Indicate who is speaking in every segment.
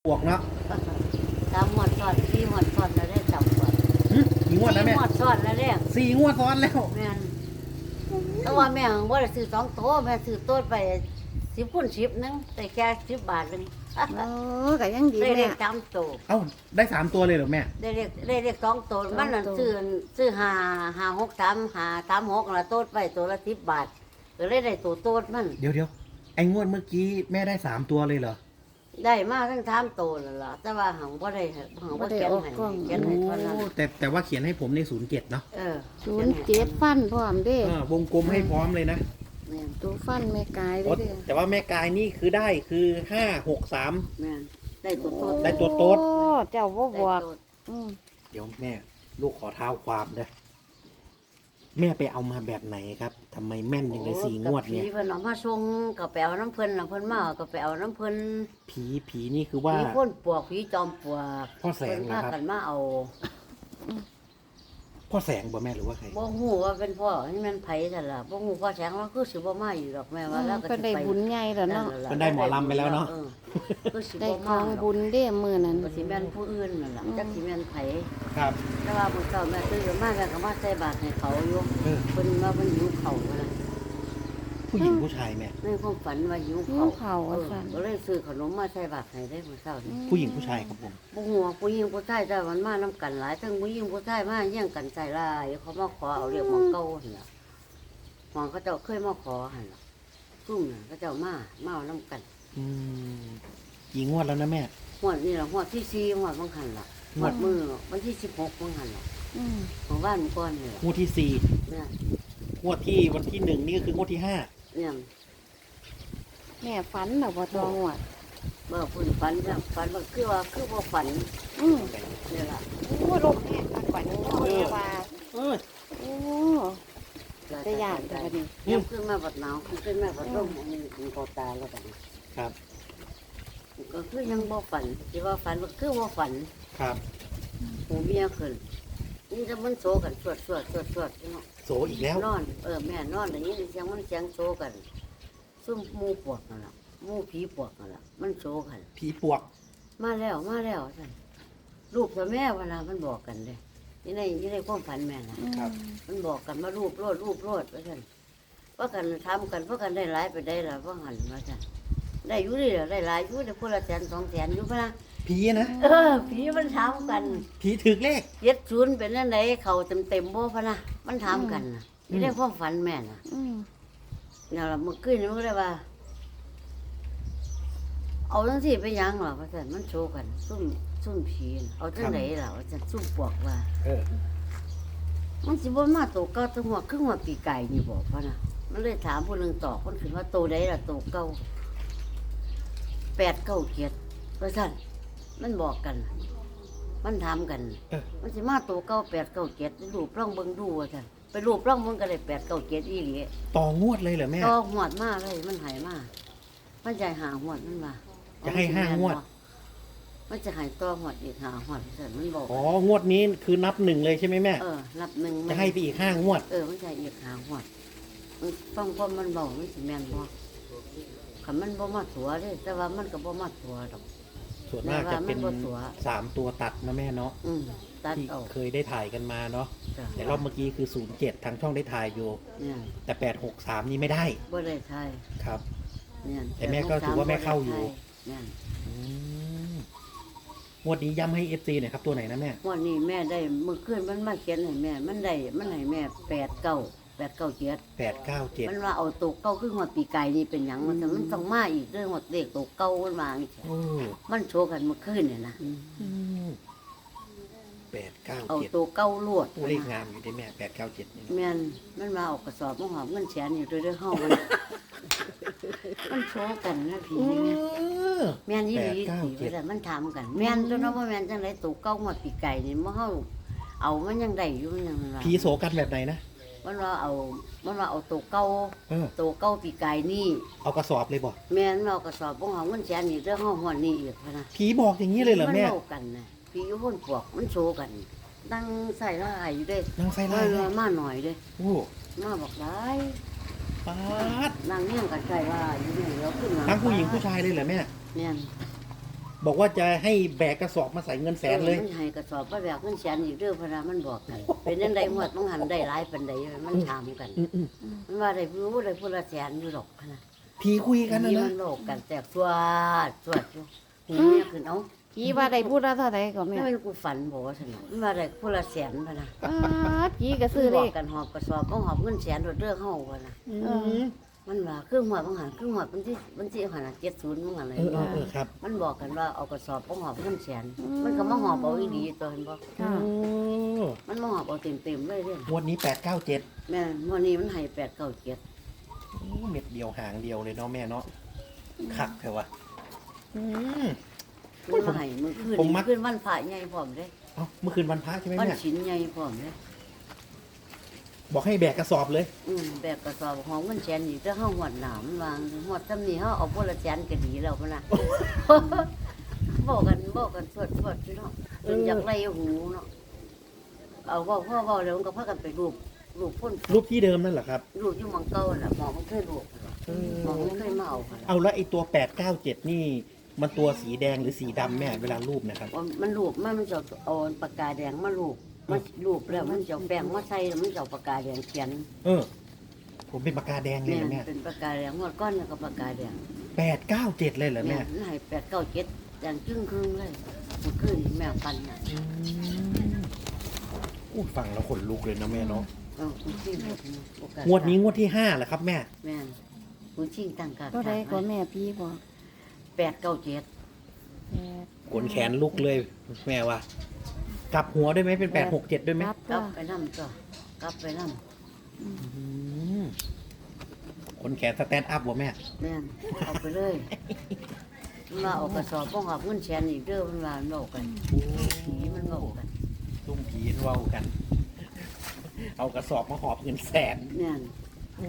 Speaker 1: บวกเนาะ
Speaker 2: 3 งวดซ้อน4 งวดซ้อนแล้วได้จับก่อน
Speaker 1: กี่งวดแล้วแม่
Speaker 2: 4 งวดซ้อนแล้วเด้
Speaker 1: 4 งวดซ้อนแล้ว
Speaker 2: แม่นแต่ว่าแม่บ่ได้ซื้อ2โตแม่ซื้อโตไป10คูณ10นึงแต่แค่10 บาทนึง
Speaker 3: โอ้ก็ยังดี
Speaker 2: ได้เล
Speaker 3: แม่
Speaker 2: ข3โต
Speaker 1: เอ้าได้3ตัวเลยเหรอแม่
Speaker 2: ได้เลข2โตมันนั่นซื้อ563 536ละโตดไปตัวละ10 บาทก็เลยได้ตัวโตดมัน
Speaker 1: เดี๋ยวไอ้งวดเมื่อกี้แม่ได้3ตัวเลยเหรอ
Speaker 2: ได้มาทั้ง3โตนั่นล่ะแต่ว่าหังบ่ได้หังบ่เขียนให้เขียนให้เท่านั้น
Speaker 1: โอ้แต่ว่าเขียนให้ผมใน07เนาะ
Speaker 3: 07ฟันพร้อมเด้
Speaker 1: วงกลมให้พร้อมเลยนะ
Speaker 2: แม่น
Speaker 3: ตัวฟันแม่กายเล
Speaker 1: โอ้
Speaker 3: ยเด้อ
Speaker 1: แต่ว่าแม่กายนี่คือได้คือ563
Speaker 2: แม่นได้ตัวโตด
Speaker 1: ได้ตัวโต๊ด
Speaker 3: โอ้เจ้าบ่บ
Speaker 2: ได้
Speaker 3: อก
Speaker 2: โตด
Speaker 1: เดี๋ยวแม่ลูกขอเท้าความเด้อแม่ไปเอามาแบบไหนครับทำไมแม่นอย่างเลย4 งวดเนี่ย
Speaker 2: ผีเพิ่นเอามาส่งก็ไปเอาน้ำเพิ่นน่ะเพิ่นมาก็ไปเอาน้ำเพิ่น
Speaker 1: ผีนี่คือว่า
Speaker 2: ผีพ่นปวกผีจอมปลวก
Speaker 1: พ่อแสง
Speaker 2: เพิ่น
Speaker 1: เหรอ
Speaker 2: พา
Speaker 1: ครับ
Speaker 2: กันมาเอา
Speaker 1: พ่อแสงบ่แม่หรือว่าใคร
Speaker 2: บ่ฮู้ว่าเป็นพ่อนี่มันไผซั่นล่ะบ่ฮู้พ่อแสงว่าคือสิบ่มาอยู่ดอกแม่ว่าแล้วก็
Speaker 3: เพิ่น
Speaker 2: สิ
Speaker 3: ได้
Speaker 2: ไป
Speaker 3: บุญใหญ่แล้วเนาะ
Speaker 1: เพิ่นได้หมอลำไปแล้วเนาะ
Speaker 2: ออคือสิ
Speaker 3: ได้
Speaker 2: บ่
Speaker 3: ข
Speaker 2: มา
Speaker 3: อง
Speaker 2: ดอก
Speaker 3: บุญเด้มื้อนั้น
Speaker 2: ก็สิแม่นผู้อื่นนั่นล่ะจักสิแม่นไผ
Speaker 1: ครับ
Speaker 2: แต่ว่ามื้อเช้าแม่ตื่นมาแม่ก็มาใส่บาตรให้เขาอยู่
Speaker 1: เออ
Speaker 2: เพิ่นว่าเพิ่นหิวข้าวว่าล่ะ
Speaker 1: ผู้หญิงผู้ชายแม่
Speaker 2: ในความฝันว่าหิว
Speaker 3: หิว
Speaker 2: ข้าว
Speaker 3: ข้าวว่าซั่น
Speaker 2: ก็เลยซื้อขนมมาใส่บาตรให้ได้มื้อเช้านี้
Speaker 1: ผู้หญิงผู้ชายครับผม
Speaker 2: บ่ฮู้ว่าผู้หญิงผู้ชายแต่มันมานํกันหลายทั้งผู้หญิงผู้ชายมาแย่งกันใส่ลายเขามาขอเอาเรียกของเก่าหั่นล่ะของเขาเจ้าเคยมาขอหั่นล่ะซุ่มน่ะเขาเจ้ามาเอานํกัน
Speaker 1: อืมกี่งวดแล้วนะแม่
Speaker 2: หวดนี่ล่ะหวดที่4หวดบางหันล่ะหวดมือวันที่16บางหันล่ะ
Speaker 3: อืม
Speaker 2: ของบ้านก่อนนี่ล่ะ
Speaker 1: งวดที่สี่
Speaker 2: เนี่ย
Speaker 1: งวดที่วันที่1นี่ก็คืองวดที่5
Speaker 2: เนี่ย
Speaker 3: แม่ฝันแล้วบ่ตองวด
Speaker 2: บ่เพิ่นฝันจ้ะฝันว่าคือบ่ฝัน
Speaker 3: อืม
Speaker 2: นี่ล่ะ
Speaker 3: โอ้ลมแห้งคักกว่านี้แม่ว่า
Speaker 1: เออ
Speaker 3: โอ้แต่ย่านแต่บัดนี้
Speaker 2: เนี่ยขึ้นมาบัดหนาวขึ้นมาบัดลมอันนี้ถึงคอตาแล้วบัดนี้
Speaker 1: ครับ
Speaker 2: ก็คือยังบ่ฝันสิว่าฝันว่าคือบ่ฝัน
Speaker 1: ครับ
Speaker 2: หูเมียขึ้นนี่ถ้ามันโซกันสวดเนาะ
Speaker 1: โสอีกแล้ว
Speaker 2: นอนแม่นอนอย่างนี้เสียงมันเสียงโซกันซุ่มหมู่ปวกนั่นล่ะหมู่ผีปวกนั่นล่ะมันโซกัน
Speaker 1: ผีปวก
Speaker 2: มาแล้วสั่นลูกกับแม่เวลามันบอกกันเลยนี่ในความฝันแม่นะ
Speaker 1: ครับ
Speaker 2: มันบอกกันมารูปโลดว่าสั่นว่ากันทำกันว่ากันได้หลายไปได้ละว่าหันว่าสั่นได้อยู่ดิได้หลายอยู่ได้คนละ100,000 200,000อยู่พะนะ
Speaker 1: ผีนะ
Speaker 2: ผีมันถามกัน
Speaker 1: ผีถึกเลข
Speaker 2: 70เป็นนั่นไหนเขาเต็มบ่พะนะมันถามกันนะนี่ได้ความฝันแม่นะ
Speaker 3: อืม
Speaker 2: เนี่ยละเมื่อคืนนี่มันก็เลยว่า เอาจังสิไปยังหรอว่าสั่นมันโชว์กันซุ่มผีน่ะเอาจังไหนล่ะว่าสั่นซุ่มปวกว่า
Speaker 1: เออ
Speaker 2: มันสิบ่มาโตเก่าตัวหัวครึ่งหัวปีไก่นี่บอกพ่ะนะมันเลยถามผู้หนึงตอบคนขึ้นว่าโตใดล่ะโตเก่า8 9 7ว่าซั่นมันบอกกัน มันถามกัน
Speaker 1: เออ
Speaker 2: มันสิมาโตเก่า8 9 7รูปร่องเบิ่งดูว่าซั่นไปรูปร่องมันก็ได้8 9 7อีหลี
Speaker 1: ต่องวดเลยเหรอแม่
Speaker 2: ต่อหวดมาเลยมันหายมามันจะหาหวดมันมา
Speaker 1: จะให้5 งวด
Speaker 2: มันจะหายต่อหวดอีกหาหวดซั่นมันบอก
Speaker 1: อ๋องวดนี้คือนับ1เลยใช่ไหมแม่
Speaker 2: นับหนึ่งมัน
Speaker 1: จะให้ไปอีก5 งวด
Speaker 2: มันจะอีกหาหวดมันฟังความมันบอกมันสิแม่นบ่คันมันบ่มาตัวเด้แต่ว่ามันก็บ่มาตัวดอก
Speaker 1: ส่วนมากจะเป็น
Speaker 2: แม่ว่ามันบ่ตัว
Speaker 1: 3 ตัวตัดนะแม่เนาะ
Speaker 2: ตัด
Speaker 1: ที่
Speaker 2: เอา
Speaker 1: เคยได้ถ่ายกันมาเนาะ
Speaker 2: จ้ะ
Speaker 1: แต่รอบเมื่อกี้คือ07ทางช่องได้ถ่ายอยู่
Speaker 2: เนี่ย
Speaker 1: แต่863นี่ไม่ได้
Speaker 2: บ่ได้ทาย
Speaker 1: ครับ
Speaker 2: เนี่ย
Speaker 1: แต่แม่ก็ถือว่าแม่เข้าอยู่
Speaker 2: เนี่ย
Speaker 1: อืมงวดนี้ย้ำให้ FC หน่อยครับตัวไหนนะแม่
Speaker 2: วันนี้แม่ได้มื้อคืนมันมาเขียนให้แม่ มันให้แม่8 9 7
Speaker 1: 897
Speaker 2: มันว่าเอาตัวเก่าคือหัวปีไก่นี่เป็นหยังมันแต่มันต้องมาอีกเรื่องหัวเด็กตัวเก่ามันมาอีก
Speaker 1: โอ้
Speaker 2: มันโชว์กันเมื่อคืนเนี่ยนะ
Speaker 1: อืม
Speaker 2: เอา
Speaker 1: 897
Speaker 2: ตัวเก่าลวด
Speaker 1: เลขงามอยู่ได้แม่897นี่
Speaker 2: แม่นมันมาเอากระสอบมาหอมเงินแสนอยู่ด้วยห้องมัน มันโชว์กันนะผี
Speaker 1: เอ
Speaker 2: นี่
Speaker 1: อ
Speaker 2: แม่แม่นยี่หลี
Speaker 1: 897
Speaker 2: ผีแต่มันถามกัน แม่นตัวน้องว่าแม่นจังไรตัวเก่าหัวปีไก่นี่มันเฮาเอามันยังได้อยู่มันยังว่า
Speaker 1: ผีโสกันแบบไหนนะ
Speaker 2: มันว่าเอาตัวเก่า
Speaker 1: เออ
Speaker 2: ตัวเก่าปีไก่นี่
Speaker 1: เอากระสอบเลยบอก
Speaker 2: แม่นมันเอากระสอบมาหอมเงินแสนอยู่ด้วยห้องหัวนี่อีกพะนะ
Speaker 1: ผีบอกอย่างนี้เลยเหรอแม่
Speaker 2: นโลกันนะพี่อยุคนพวกมันโชว์กันตั้งใส่ละอายอยู่เด้
Speaker 1: นางไฟ
Speaker 2: มา
Speaker 1: ไล่
Speaker 2: เล
Speaker 1: เลย ย
Speaker 2: มาหน่อยเด้
Speaker 1: โอ้
Speaker 2: มาบอกได้
Speaker 1: ปาด
Speaker 2: นางเนี่ยงกันใส่ละอายอยู่เนี่ยเราขึ้นมา
Speaker 1: ทั้งผู้หญิงผู้ชายเลยเหรอแม่
Speaker 2: เนี่ย
Speaker 1: บบอกว่าจะให้แบกกระสอบมาใส่เงินแสนเลย
Speaker 2: มันให้กระสอบมาแบบเงินแสนอีกเด้อพะนะมันบอกกัน เป็นจังได๋หมดมันหันได้หลายปานใดมันถามกัน
Speaker 1: อืม
Speaker 2: มันว่าได้รู้ได้ผู้ละแสนอยู่ดอกพะนะ
Speaker 1: ผีคุยกันนะ
Speaker 2: นี่
Speaker 1: นะ
Speaker 2: มันโลกกันแตกสวดอยู่หูเมียขึ้นเอา
Speaker 3: ผีว่าได้พูดแล้วเท่าไหร่ก็แม่
Speaker 2: ไม่เป็นกูฝันบอกว่าซั่นน่ะมันว่าได้ผู้ละแสนพะนะ
Speaker 3: ผีก็ซื้อเล
Speaker 2: บอก
Speaker 3: ข
Speaker 2: กันหอบกระสอบก็หอบเงินแสนโดดเด้อเฮาพะนะ
Speaker 1: อืม
Speaker 2: มันว่าครึ่งหัวบางหันครึ่งหัวมันที่หันน่ะ70บางหันเลย
Speaker 1: ครับ
Speaker 2: มันบอกกันว่าเอากระสอบก็หอบเงินแสนมันก็มาหอบเอาอีดีตัวเห็นบ่
Speaker 3: ค่ะ
Speaker 1: โอ้
Speaker 2: มันมาหอบเอาเต็มๆเลยเด้อง
Speaker 1: วดนี้897
Speaker 2: แม่มื้อนี้มันให้8 9 7
Speaker 1: เม็ดเดียวหางเดียวเลยเนาะแม่เนาะคักเถอะวะอืม
Speaker 2: มันมาให้มื้อคืน
Speaker 1: ผมมัก
Speaker 2: คืนวันพระใหญ่พร้อมเด้
Speaker 1: เอ้าเมื่อคืนวันพระใช่ไหม
Speaker 2: วัน
Speaker 1: แม่
Speaker 2: ศีลใหญ่พร้อมเด้
Speaker 1: บอกให้แบกกระสอบเลย
Speaker 2: แบกกระสอบหอมเงินแสนอีกถ้าเฮาหวดหนามมันวางหวดซำนี้เฮาเอาบ่ละแสนก็ดีแล้วพุ่นน่ะ บอกกันสวดพี่น้องจนอยากไล่หูเนาะเอาเว้าพ่อเว้าแล้วมันก็พากันไปรูปพ่น
Speaker 1: รูปที่เดิมนั่นเหรอครับ
Speaker 2: รูปอยู่หมังเก่าน่ะหมอมันเคยรูปหมอมันเคยมาเอาค่ะ
Speaker 1: เอาแล้วไอ้ตัว897นี่มันตัวสีแดงหรือสีดำแม่เวลารูปนะครับ
Speaker 2: มันรูปมันจะเอาปากกาแดงมารูปมันรูปแล้วมันจะเอาแป้งมาใส่แล้วมันจะเอาปากกาแดงเขียน
Speaker 1: ผมเป็นปากกาแดงเลย
Speaker 2: แม่
Speaker 1: เหรอแม่
Speaker 2: เป็นปากกาแดงงวดก้อนแล้วก็ปากกาแดง
Speaker 1: 897เลยเหรอ
Speaker 2: แม่
Speaker 1: แม่
Speaker 2: มันให้8 9 7อย่างครึ่งเลยมันขึ้นแม่ปันน่ะ
Speaker 1: อู้ฟังแล้วขนลุกเลยนะแม่เนาะ
Speaker 2: คุณชิงโอกาส
Speaker 1: งวดนี้งวดที่5เหรอครับแม่
Speaker 2: แม่คุณชิงตั้งกา
Speaker 3: เท่าไหร่ก็แม่ผีบอก
Speaker 2: 8 9 7
Speaker 1: ขนแขนลุกเลยแม่ว่ากลับหัวด้วยไหมเป็น867ด้วยไหม
Speaker 3: รับ
Speaker 2: กลั
Speaker 3: ก็
Speaker 2: บไปนำก็กลับไปนำ
Speaker 1: อืมขนแขนสแตนด์อัพวะแม่
Speaker 2: แม่นเอาไปเลยมันมาเอากระสอบป้องหับเงินแสนอีกเด้อมันมาโนกันผีมันโนกัน
Speaker 1: ตุ้มผีเว้ากัน เอากระสอบมาหอบเงินแสน
Speaker 2: แม่น
Speaker 1: โอ้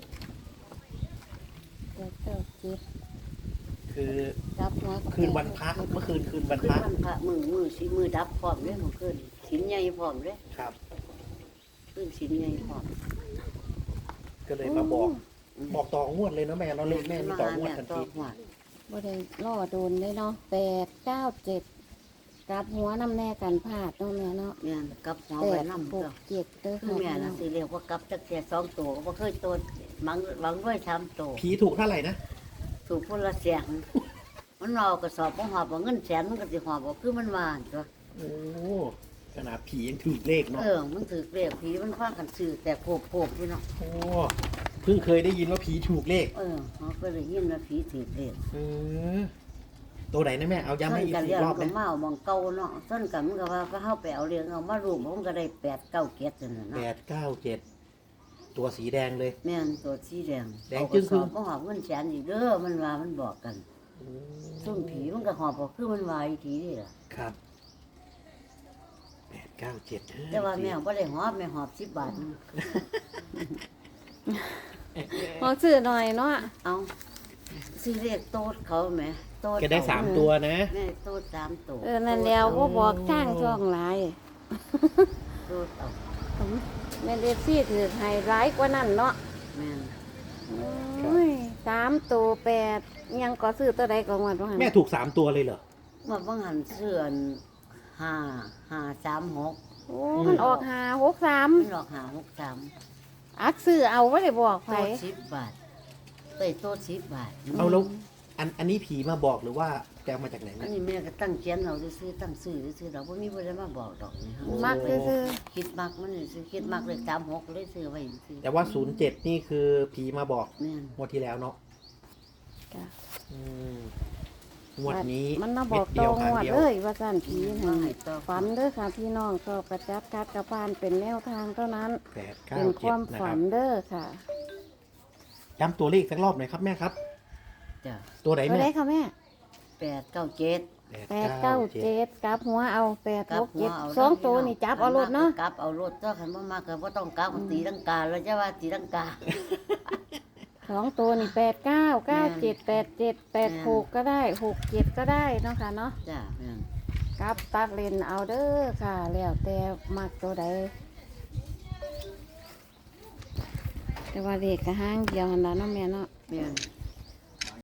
Speaker 3: เจ้าจิต
Speaker 1: คือ
Speaker 3: รับหัวก็
Speaker 1: คืนวันพระเมื่อคืนคืนวัน
Speaker 2: ขึ้
Speaker 1: พ
Speaker 2: น
Speaker 1: ระ
Speaker 2: วันพระมือสิมือดับพร้อมเด้มันขึ้นสินใหญ่พร้อมเด้
Speaker 1: ครับ
Speaker 2: ขึ้นสินใหญ่พร้อม
Speaker 1: ก็เลยมาบอกต่องวดเลยเนาะแม่เราเลขแม่มีต่องวดทัน
Speaker 2: ต่อ
Speaker 1: ที
Speaker 2: หัว
Speaker 3: บ่ได้ล่อโดนได้เนาะ897กลับหัวน้ำแน่กันพลาดเนาะแม่เนาะ
Speaker 2: แม่นกลับหัวไว้นำ
Speaker 3: 8
Speaker 2: เด้อ
Speaker 3: 6 7เด้อ
Speaker 2: คือ
Speaker 3: ค่ะ
Speaker 2: แม่น่ะสิเรียกว่ากลับจักแค่2ตัวก็บ่เคยตัวหวังด้วย3ตัว
Speaker 1: ผีถูกเท่าไหร่นะ
Speaker 2: ถูกคนละแสนมันเอากระสอบป้องหอบเอาเงินแสนมันก็สิหอบเอาคือมันว่าตัว
Speaker 1: โอ้ขนาดผียังถูกเลขเนาะ
Speaker 2: มันถือเรียกผีมันคว้างกันซื้อแต่โผล่พี่เนาะ
Speaker 1: โอ้เพิ่งเคยได้ยินว่าผีถูกเลข
Speaker 2: เขาก็เลยยินว่าผีถือเรียก
Speaker 1: เออตัวไหนนะแม่เอาย้ำให้อีก
Speaker 2: กัน
Speaker 1: สี่
Speaker 2: เรียก
Speaker 1: รอบ
Speaker 2: ก็
Speaker 1: นะ
Speaker 2: มาเอามองเก่าเนาะส้นกันมันก็ว่าก็เข้าไปเอาเรียงเอามารูปมันก็ได้8 9เกียรตินั่น
Speaker 1: แป
Speaker 2: นะ
Speaker 1: ดเก้าเจ็ดตัวสีแดงเลย
Speaker 2: แม่นตัวสีแดง
Speaker 1: แดง
Speaker 2: เอาก
Speaker 1: จึ้
Speaker 2: ระ
Speaker 1: ง
Speaker 2: สอบก็หอบเงินแสนอีกเด้อมันว่ามันบอกกันซุ่มผีมันก็หอบบอกคือมันว่าอีกทีนี่ล่ะ
Speaker 1: ครับ897
Speaker 2: แต่ว่าแม่บ่ได้หอบแม่หอบ10 บาทนึง
Speaker 3: พอซื้อหน่อยเนาะ
Speaker 2: เอาซื้อเรียกโต๊ดเขาไหมโต๊ด
Speaker 1: แกได้สามตัวนะ
Speaker 2: แม่โต๊ด3ตัว
Speaker 3: นั่นแล้วบ่บอกทางช่องหลาย
Speaker 2: โต๊ดเอา
Speaker 3: แม่นเอฟซีถือให้ร้ายกว่านั้นเนาะ
Speaker 2: แม่น
Speaker 3: โอ้ย3ตัว8ยังก็ซื้อตัวใดก็งวดว่าหั่น
Speaker 1: แม่ถูก3ตัวเลยเหรอ
Speaker 2: ว่าบางหันเสื้อ5 5 3 6
Speaker 3: โอ้มันออก
Speaker 2: มัน
Speaker 3: 563
Speaker 2: หลอก5 6
Speaker 3: อักซื้อเอาบ่ได้บอก
Speaker 2: 3
Speaker 3: ไผ
Speaker 2: โต๊ด10 บาทโต๊ด10 บาท
Speaker 1: เอาแล้วอันนี้ผีมาบอกหรือว่าแกเอามาจากไหน
Speaker 2: อั
Speaker 1: แม่
Speaker 2: นนี้แม่ก็ตั้งเขียนเราซื้อตั้งซื้อเราบ่มีบ่ได้มาบอกดอกนี่ฮะ
Speaker 3: มักซื่อ
Speaker 2: คิดมักมันนี่ซื้อคิดมักเลย36เลยซื้อไว้ซื้อ
Speaker 1: แต่ว่า07นี่คือผีมาบอก
Speaker 2: แม่น
Speaker 1: งวดที่แล้วเนาะ
Speaker 3: ๆจ้ะ
Speaker 1: อืมงวดนี้
Speaker 3: มันมาบอก
Speaker 1: เม็ดเดี
Speaker 3: ต่
Speaker 1: ย
Speaker 3: อ
Speaker 1: วหาง
Speaker 3: งวด
Speaker 1: เดียว
Speaker 3: เลยว่าซั่นผี
Speaker 2: มา
Speaker 3: นั่น
Speaker 2: ให้ต่อ
Speaker 3: ฝันเด้อค่ะพี่น้องก็กระจัดกัดกระพานเป็นแนวทางเท่านั้น
Speaker 1: 8
Speaker 3: เป็นความ
Speaker 1: 9 7นะค
Speaker 3: ฝั
Speaker 1: รับ
Speaker 3: นเด้อค่ะ
Speaker 1: ย้ำตัวเลขสักรอบหน่อยครับแม่ครับ
Speaker 2: จ้ะ
Speaker 1: ตัวไหน
Speaker 3: ตัว
Speaker 1: แม่
Speaker 3: ใดค่ะแม่
Speaker 2: 8 9 7
Speaker 3: 897กลับหัวเอา
Speaker 2: กลับหัวเอา
Speaker 3: 867 2ตัวนี่จับเอารถเนาะ
Speaker 2: กลับเอารถเจ้าคันบ่มากก็บ่ต้องกลับตีลังกาแล้วจะว่าตีลังกา
Speaker 3: 2ตัวนี่89 97 87 86ก็ได้67ก็ได้เนาะค่ะเนาะ
Speaker 2: จ้ะแม่น
Speaker 3: กลับตัดเลนเอาเด้อค่ะ แล้วแต่มักตัวใดแต่ว่าเลขก็ห้างเดียวหั่นล่ะเนาะแม่เนาะ
Speaker 2: แม่น